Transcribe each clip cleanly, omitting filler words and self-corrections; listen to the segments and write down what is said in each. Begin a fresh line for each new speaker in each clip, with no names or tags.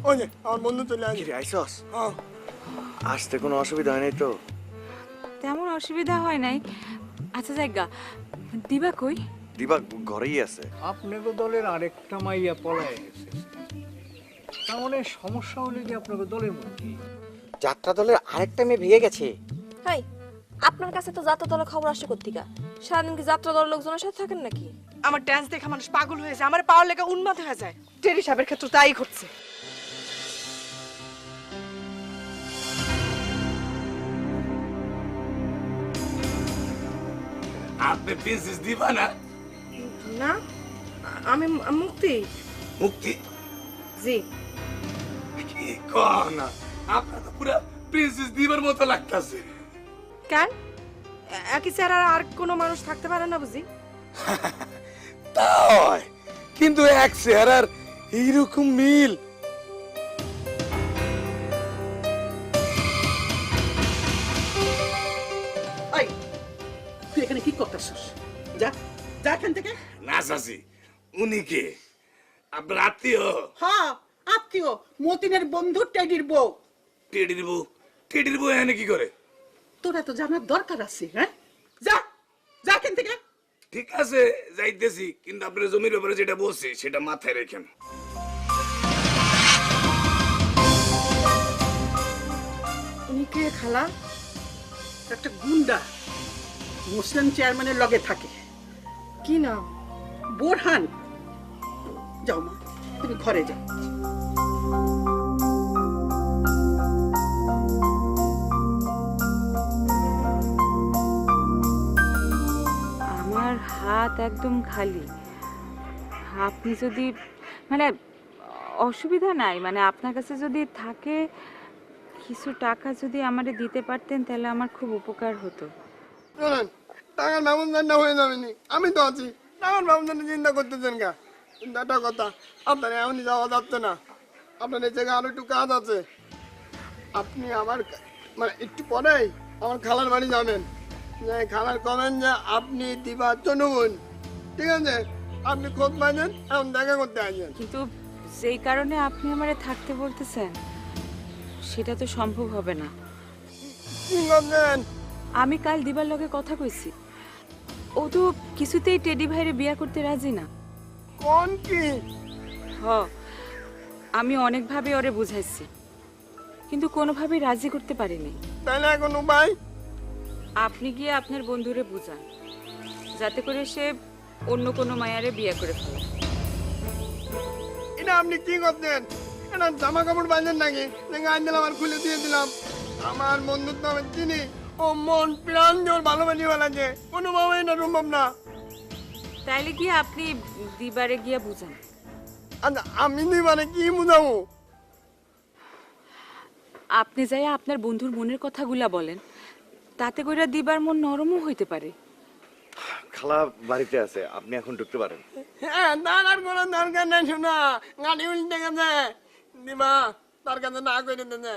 ওই যে আমার বন্ধু চলে আসে।
কি রে আইসস?
হ্যাঁ
আসতে কোনো অসুবিধা হয় নাই তো?
তেমন অসুবিধা হয় নাই। আচ্ছা জায়গা দিবা কই?
দিবা ঘরেই আছে।
আপনাকে দলের আরেকটা মাইয়া পলায় গেছে, তার মানে সমস্যা হলে কি আপনাকে দলের মধ্যে?
যাত্রা দলের আরেকটা মেয়ে ভেঙে গেছে।
হাই, আপনার কাছে তো যাত্রা দলের খবর আসে কোত্থেকা? সারাদিন কি যাত্রা দলের লোকজনের সাথে থাকেন নাকি?
আমার ডান্স দেখে মানুষ পাগল হয়ে যায়, আমার পাওয়ার লেগে উন্মাদ হয়ে যায়। টেরি সাহেবের ক্ষেত্রে তাই ঘটছে।
আপনি প্রিন্সেস দিবা না?
না, আমি মুক্তি।
মুক্তি?
জি।
কি কও না, আপনার তো পুরা প্রিন্সেস দিবার মতো লাগতাছে।
কেন একই চেহারা আর কোনো মানুষ থাকতে পারে না বুঝি?
তাই কিন্তু এক চেহারার এইরকম মিল।
এই তুই এখানে কি করতেছিস? যা যা এখান থেকে।
না চাচি, উনি কে? আপনার আত্মীয়?
হ্যাঁ আত্মীয়, মতিনের বন্ধু টেডির বউ।
টেডির বউ? টেডির বউ এখানে কি করে?
তোরা তো জানার দরকার আছে। হ্যাঁ যা যা এখান থেকে।
ঠিক আছে যাইতেছি, কিন্তু আপনার জমির ব্যাপারে যেটা বলছি সেটা মাথায় রেখেন।
উনি কে খালা?
একটা গুন্ডা মুসলিম চেয়ারম্যানের লগে থাকে।
কি নাম?
বোরহান। যাও মা, তুমি ঘরে যাও।
আমার হাত একদম খালি। আপনি যদি মানে অসুবিধা নাই, মানে আপনার কাছে যদি থাকে কিছু টাকা যদি আমারে দিতে পারতেন তাহলে আমার খুব উপকার হতো।
শোনেন, টাকার ব্যবস্থাটা হয়ে যাবে নি, আমি তো আছি। টাকার ব্যবস্থাটা চিন্তা করতেছেন কা? কিন্তু একটা কথা, আপনার এমনই যাওয়া যাচ্ছে না। আপনার এই জায়গায় আরো একটু কাজ আছে। আপনি আমার মানে একটু পরেই আমার খালার বাড়ি যাবেন। যে খালার কমেন যে আপনি দিবা চনুন, ঠিক আছে? আপনি খোঁজ পাইছেন, এখন দেখা করতে আসেন।
কিন্তু যেই কারণে আপনি আমারে থাকতে বলতেছেন সেটা তো সম্ভব হবে না।
কি করছেন?
আমি কাল দিবার লগে কথা কইছি, ও তো কিছুতেই টেডি ভাইরে বিয়া করতে রাজি না।
কোন কি?
হ, আমি অনেকভাবে ওরে বুঝাইছি কিন্তু কোনোভাবেই রাজি করতে পারিনি।
তাহলে এখন উপায়?
আপনি গিয়ে আপনার বন্ধুরে বুঝান যাতে করে সে অন্য কোনো মায়ারে বিয়ে করে ফেলে।
এটা আপনি কি করছেন? এটা জামা কাপড় বাঁধেন নাকি? গান দিলাম আর খুলে দিয়ে দিলাম। আমার বন্ধুত্ব আমি চিনি, ও মন প্রাণ জোর ভালোবাসি ফেলাছে, কোনোভাবেই এটা সম্ভব না।
তাইলে গিয়ে আপনি দিবারে গিয়ে বুঝান।
আচ্ছা আমি মানে কি বুঝাবো?
আপনি যাই আপনার বন্ধুর মনের কথাগুলা বলেন, তাতে করে দিবার মন নরমও হইতে পারে।
খালা বাড়িতে আছে, আপনি এখন ঢুকতে পারেন।
হ্যাঁ, তার আর কোনো দরকার নেই। শোনা, গাড়ি উল্টে গেছে, দিবা তার কাছে না করে দিতে।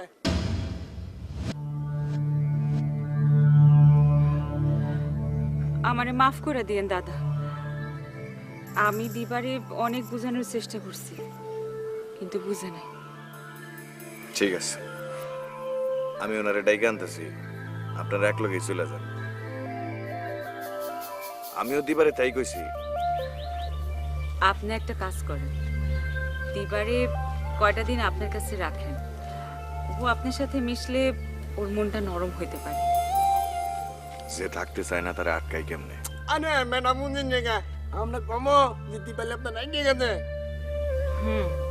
আমারে মাফ করে দিয়েন দাদা, আমি দিবারে অনেক বোঝানোর চেষ্টা করছি কিন্তু বুঝে নাই।
ঠিক আছে, আমি ওনারে ডাইকে আনতেছি, আপনারা এক লগেই চলে যান। আমিও দিবারে তাই কইছি।
আপনি একটা কাজ করেন, দিবারে কয়টা দিন আপনার কাছে রাখেন, ও আপনার সাথে মিশলে ওর মনটা নরম হইতে পারে।
যে থাকতে চায় না তারা আটকাই কেমনে?
আরে ম্যাডাম বুঝিন রেখা, আমরা কমো জিতি পেলে আপনার নাই ঠিক আছে।
হুম,